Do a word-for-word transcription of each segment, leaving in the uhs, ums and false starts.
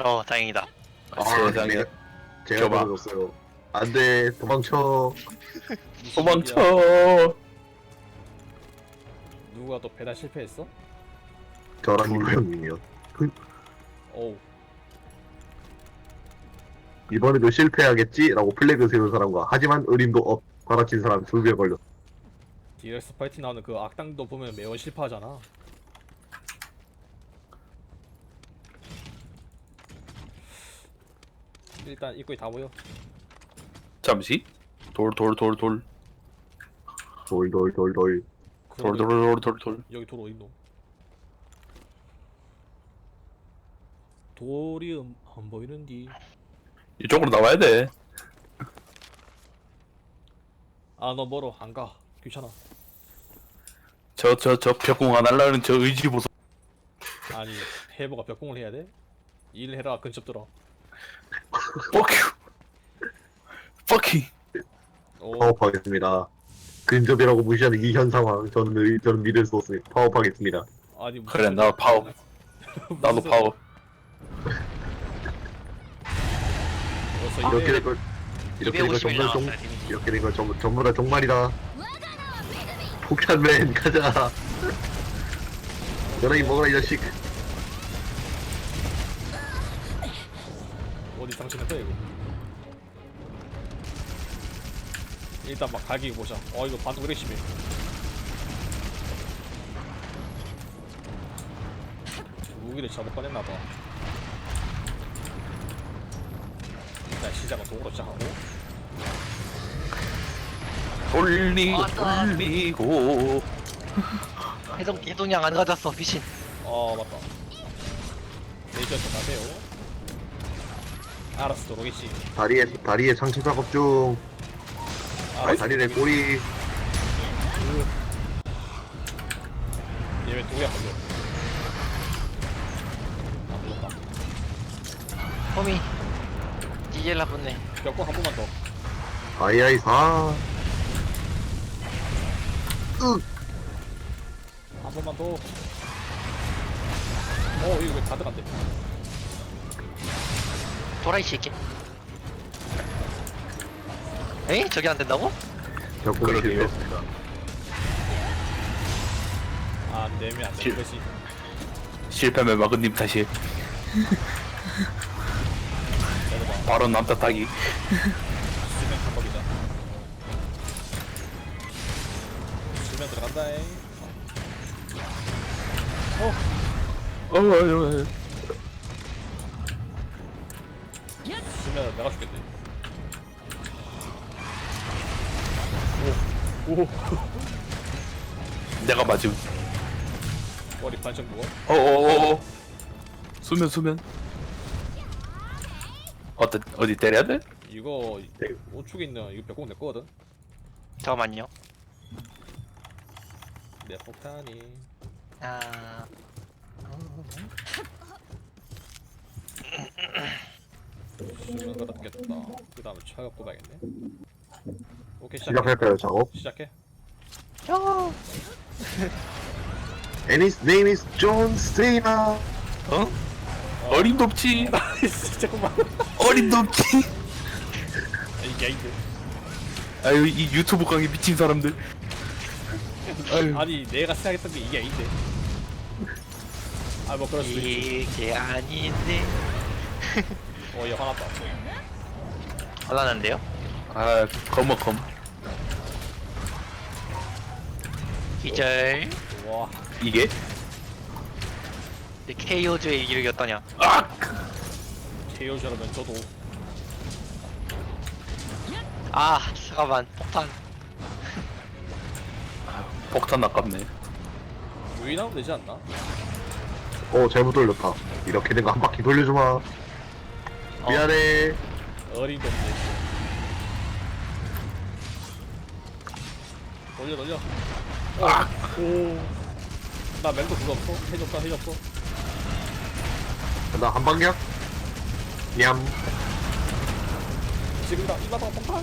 어, 다행이다. 아, 세상에. 네. 제가 줘봐. 떨어졌어요. 안돼, 도망쳐. 도망쳐. 누가 또 배달 실패했어? 저랑 둘. 이거 형님이요. 어우. 이번에도 실패하겠지라고 플래그 세운 사람과 하지만 의림도 업 받아친 사람 두 배 걸렸어. 디렉스 파이팅 나오는 그 악당도 보면 매번 실패하잖아. 일단 입구에 다 모여. 잠시. 돌 돌 돌 돌. 돌돌돌돌. 돌 돌 돌 돌 돌. 여기 돌 어딨노? 돌이 음, 안 보이는디. 이쪽으로 나와야 돼. 아, 너 멀어. 안 가. 귀찮아. 저 저 저 벽공 안 하려는 저 의지 보소. 아니, 해보가 벽공을 해야 돼? 일해라. 근접 들어. Fuck you. Fuck you. 오, 파업하겠습니다. 근접이라고 무시하는 이 현 상황 저는 의- 저는 믿을 수 없으니 파업하겠습니다. 아니 무슨 그래, 나 파워. 나도 무슨 파워. 벌써 이렇게 이래- 된 걸 이렇게 된 걸 이백오십 일 전부 다 종 나왔어요, 데미지. 이렇게 된 걸 전부 전부 다 종말이다. 폭탄맨 가자. 너네 먹어라 이 자식. 어디 장치했다 이거. 일단 막 갈기 보자. 어 이거 반동 이렇게 심해. 무기를 잘못 꺼냈나봐. 일단 시작은 도구로 시작하고. 돌리 왔다. 돌리고. 해동, 해동량 안 가졌어, 미친. 어 맞다. 레이저 좀 가세요. 알았어 도로겠지. 다리에 다리에 상체 작업 중. 아, 알았어. 다리에 꼬리. 얘왜 도구야 걸려. 아 물었다. 홈이. 디젤 나쁘네. 벽공 한 번만 더. 아이아이 사. 한 번만 더. 어 이거 왜 다 들어간대. 도라이 새끼. 에이? 저게 안 된다고? 벽공이 그러게요. 실패했습니다. 아 내면 안 되는 거지. 실패면 마그님 탓이. 내려봐. 바로 남자 따기. 수면 방법이다. 수면 들어간다잉. 어 어, 어, 어. 수면 내가 죽겠네. 오 오. 내가 맞음. 머리 반짝 누워. 어어어. 수면 수면. 어때 어디 때려야 돼? 이거 우측에 있는 이거 벽공 내 거거든. 잠깐만요. 내 폭탄이. 아. 수면 거다 겠다. 그 다음에 차갑 꼽아야겠네. 오케이 시작해. 시작할까요 작업? 시작해. 야. And his name is John Cena. 어? 어림도 없지. 나이스 잠깐만. 어림도 없지. 이게 아닌데. 아유 이 유튜브 강의 미친 사람들. 아유. 아니 내가 생각했던 게 이게 아닌데. 아 뭐 그럴 수도 있지. 이게 아닌데. 어얘 화났다. 화나는데요? 아 검어검. 기절. 와. 이게? 케이오즈의 이기를 겼더냐. 아! 케이오즈라면 저도 아, 잠깐만. 폭탄. 폭탄 아깝네. 유인하면 되지 않나? 어 잘못 돌렸다. 이렇게 된 거 한 바퀴 돌려주마. 미안해. 어림도 없네. 돌려 돌려. 어. 아! 오. 나 멘토 그거 없어? 해줬다 해줬어. 나 한 방향. 냠. 지금다 이마다 폭탄.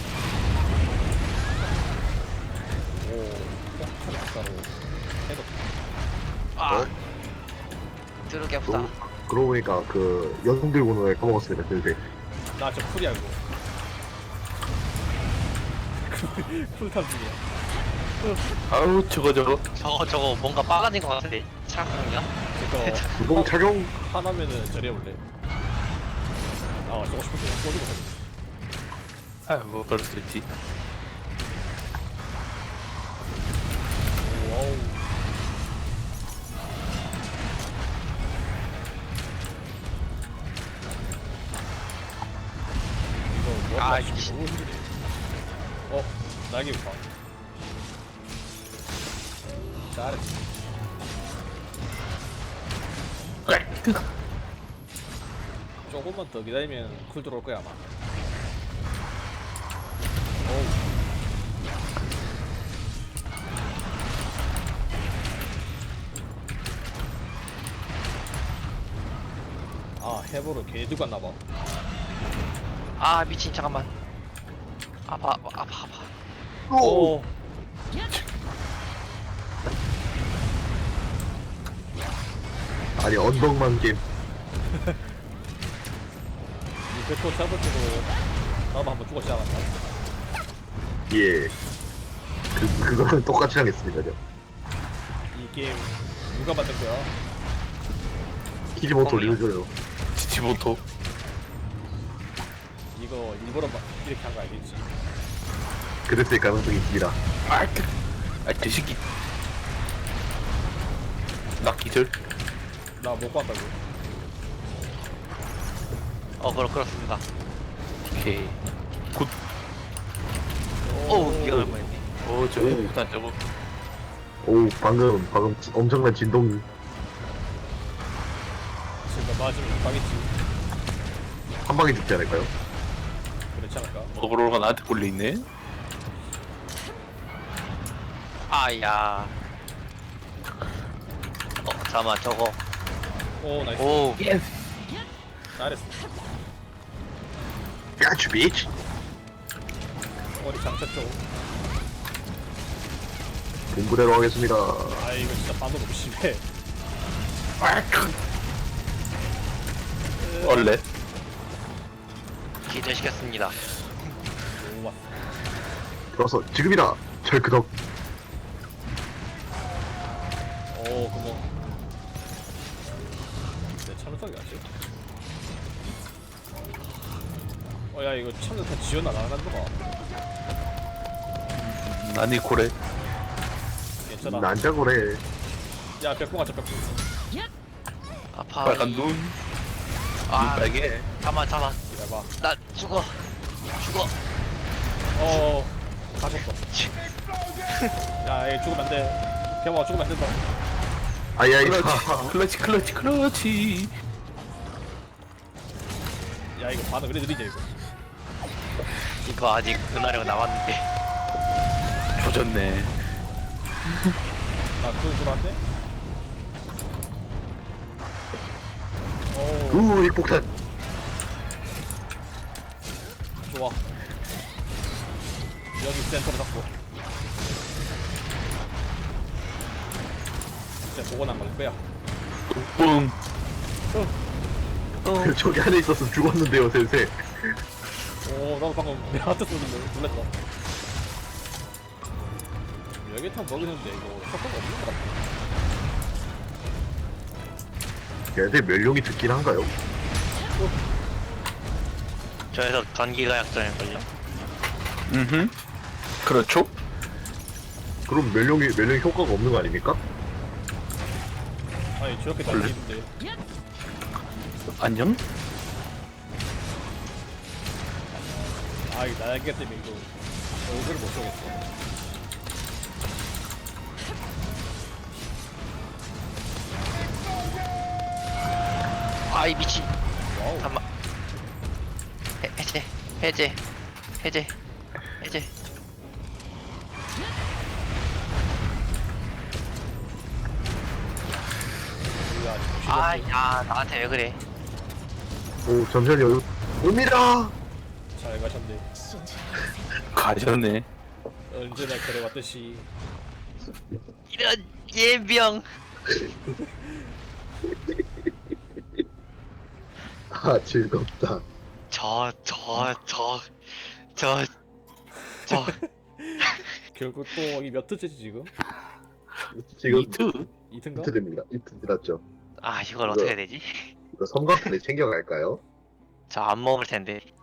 오. 폭탄 아까로. 해줬. 아, 어? 드럽게 아프다. 너무 그러고 보니까 그 연속 들고는 까먹었습니다. 근데 나저 풀이야 이거. 풀탑 중이야. 아우 저거 저거 저거 저거 뭔가 빨라진 것 같은데 창이야? 그거 구동 착용. 하나면은 저리 올래. 아 저거 싶을 때 꽂고 가. 아뭐 그럴 수 있지. 와우. 이거 뭐 아, 맞추기 이씨. 너무 힘드네. 어 날개 봐. 잘했어. 조금만 더 기다리면 쿨 들어올 거야 아마. 어우. 아 해보를 괜히 들고 왔나봐. 아 미친 잠깐만. 아파 아파 아파. 아파. 오. 아니 언덕만 게임. 이 백호 잡을 때도 나도 한번 죽었지 않았나? 예. 그 그거는 똑같이 하겠습니다. 저. 이 게임 누가 만든 거야? 키지모토 뻥이야. 리우저요. 지지모토. 이거 일부러 막 이렇게 한 거 알겠지? 그랬을 가능성이 있습니다. 아그 새끼 나 기절. 나 못 봤다고. 어 그렇 그렇습니다. 오케이 굿. 오 이거 얼마였네. 어저 일단 저거 오 방금 방금 지- 엄청난 진동이. 지금 맞으면 가겠지. 한 방에 죽지 않을까요? 그렇지 않을까? 어그로가 나한테 걸려있네. 아야. 어 잠깐만 저거. 오 나이스. 오 잘했어. 야추 비치. 머리 장착죠. 본부대로 하겠습니다. 아 이거 진짜 반도 너무 심해. 원래 기절시켰습니다. 너무 왔어. 들어서 지금이다. 철크덕. 오 그거. 내 참석이 맞지? 어야 이거 참석 다 지원 안 하는 거봐. 나니 고래. 괜찮아. 난자고래. 야 벽공 하자 벽공. 아파. 빨간 눈. 눈 아 빨개. 잠만 잠만. 야봐. 나 죽어. 죽어. 어 가셨어. 야얘 죽으면 안 돼. 개마 죽으면 안 된다. 아이아이. 클러치 클러치 클러치 클러치. 야 이거 반응 그래 느리지 이거. 이거 아직 은하령 남았는데. 조졌네. 아 그거 들어왔네? 오 우 일폭탄. 좋아. 여기 센터로 잡고. 진짜 보고 난걸 거야. 뿡. 저기 안에 있어서 죽었는데요, 센세. 오 나도 방금 내 하트 쏘는데 놀랬다. 여기탄 먹이는데 이거 효과가 없는 것 같아. 걔네들 멸룡이 듣긴 한가요? 저에서 전기가 약점일걸요. 음. 그렇죠. 그럼 멸룡이 멸룡 효과가 없는 거 아닙니까? 아니 저렇게 원래? 날리는데 안녕. 아이 날개 때문에 이거 얼굴을 못 쏘겠어. 아이 미친. 와우. 잠만. 해, 해제 해제 해제 해제. 우리가 정신없네. 아야 나한테 왜 그래? 오 잠시만요. 옵니다. 잘 가셨네. 가셨네. 언제나 그래왔듯이. 이런 예병. 아, 즐겁다. 저, 저, 저, 저, 저. 결국 또 이 몇 트째지 지금? 지금 이트? 이트인가? 이틀입니다. 이틀 지났죠. 아, 이걸 어떻게 해야 되지? 이거 섬광탄에 챙겨갈까요? 저 안 먹을 텐데.